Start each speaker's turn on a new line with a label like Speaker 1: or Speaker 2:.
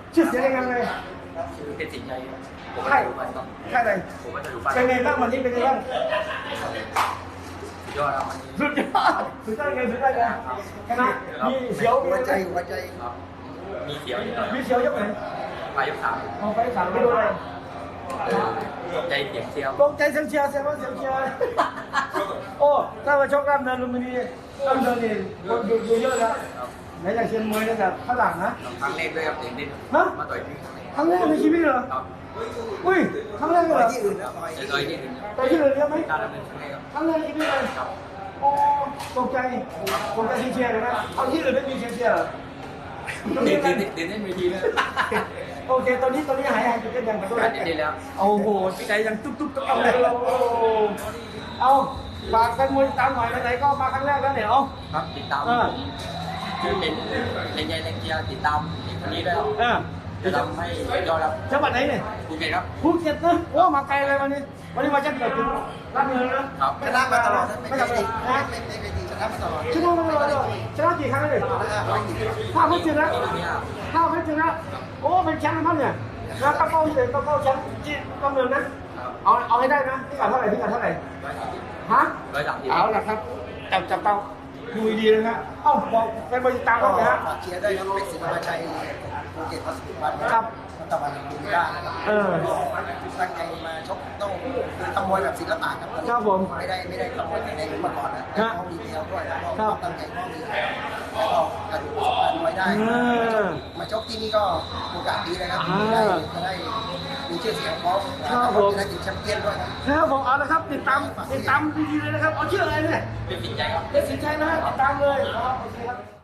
Speaker 1: ชื่อเสียงยังไง
Speaker 2: ชื่อเพชรสิงห์ชัยผมก็
Speaker 1: ใช่
Speaker 2: จะดูไปครับ
Speaker 1: ใช่เลย
Speaker 2: ผมก็จะดูไป
Speaker 1: เป็นไงบ้างวันนี้เป็นไงบ้าง
Speaker 2: สุดยอดครับวันนี้
Speaker 1: สุดยอดสุดยอดเลยสุดยอดเลยชนะมีเสียวมี
Speaker 3: หัว
Speaker 1: อะไร
Speaker 3: ใจหัวใจ
Speaker 2: ครับมีเสียวนิดหน่อย
Speaker 1: มีเสียวยกไหน
Speaker 2: ปลายยกสาม
Speaker 1: เอาไปสามไปดูเลย
Speaker 2: ใจเสียงเชียว
Speaker 1: ตกใจเสียงเชียร์เสียงว่าเสียงเชียร์โอ้ถ้ามาชกกล้ามเนินลุมพินีกล้ามเนินนี่คนดูเยอะแล้ว
Speaker 2: ครับ
Speaker 1: ไหนจากเชียงมวยเนี่ยแบบฝรั่งนะ
Speaker 2: ครั้งแรกด้วยครับเด็กนิด
Speaker 1: ฮะ
Speaker 2: มาต่อยที่
Speaker 1: ครั้งแรกในชีวิตเหรอ
Speaker 2: ครับ
Speaker 1: อุ้ยครั้งแรกเลย
Speaker 3: ต่
Speaker 1: เห
Speaker 3: อ
Speaker 1: ร
Speaker 3: ย
Speaker 1: อ
Speaker 3: ที่อื่นแล้วต่อย
Speaker 2: จะต่อยที่หนึ่ง
Speaker 1: ไปที่อื่นเยอะไหม
Speaker 2: การดำเนินครั้งแรกครับ
Speaker 1: ครั้งแรกในชีวิตเลย
Speaker 2: ครับ
Speaker 1: โอ้ตกใจเชียร์เลยนะเอาที่อื่นไม่มีเชียร์เหรอตรง
Speaker 2: เด็
Speaker 1: นี้
Speaker 2: กเด็กเด็กเล่นเวทีเลย
Speaker 1: โอเคตอนนี้หายจุดกันยังไปด้วย
Speaker 2: การเด็กแล้ว
Speaker 1: โอ้โหใจยังตุ๊บตุ๊บตุ๊บเลยเอาฝากกันมวยตามหน่อยไหนๆก็มาครั้งแรกแล้วเนี่ยเอา
Speaker 2: ครับติดตามคือเป็นแรงใจแรงเชียร์ติดตามเด็กคนนี้ด้วยครับ จะทำให้ยอดครับ
Speaker 1: จังหวัดไหนเนี่ย
Speaker 2: ภูเก็ตครับ
Speaker 1: ภูเก็ตนะโอ้มาไกลเลยวันนี้มาจะเกิดถึงรับเงินนะครับ
Speaker 3: ชนะมาตลอดนะไม่
Speaker 1: ไม่
Speaker 3: ใช่
Speaker 1: ใช่
Speaker 3: ดี
Speaker 1: นะ
Speaker 3: ไม่ใช่ดีชนะมาตลอด
Speaker 1: ชนะมาตลอดชนะกี่ครั้งเลยห้าพันชนะ
Speaker 2: ที่นี่ครับ
Speaker 1: 5 เพชรชนะโอ้เป็นแชมป์นะครับเนี่ยแล้วก็เข้าแชมป์ที่กำเนิดนะเอาให้ได้นะพี่กัดเท่าไหร่ฮะ
Speaker 2: 130
Speaker 1: เอาละครับจับเตาดูดีๆเลยนะเอ้าบอกไปบริตาม
Speaker 3: ก็
Speaker 1: เขาเลยฮะ
Speaker 3: ฝากเชียร์ด้วยครับเป็นสิงห์มาชัยภูเก็ตพัสดุบัน
Speaker 1: ครับ
Speaker 3: ตะวันดูได้นะครับตั้งใจมาชกต้องทำมวยแบบศิลปะครับ
Speaker 1: ครับผม
Speaker 3: ไม่ได้ทำมวยในมาก่อนนะแต่เขามีเดียวด้วยแล้วก็ตั้งใจก็มีแล้วก็กระดูกประสบการณ์มวยได้ มาชกที่นี่ก็โอกาสดีนะครับจะได้มีชื่อเสียงพร้อมจะได้ถึงแชมเปี้ยนด้วยครับ
Speaker 1: ครับผมเอาละครับติดตามดีๆเลยนะครับเอาชื่ออะไรเนี่ย
Speaker 2: เป็นสินใจครับ
Speaker 1: เป็นสินชัยนะฮะติดตามเลยครับโอเคครับ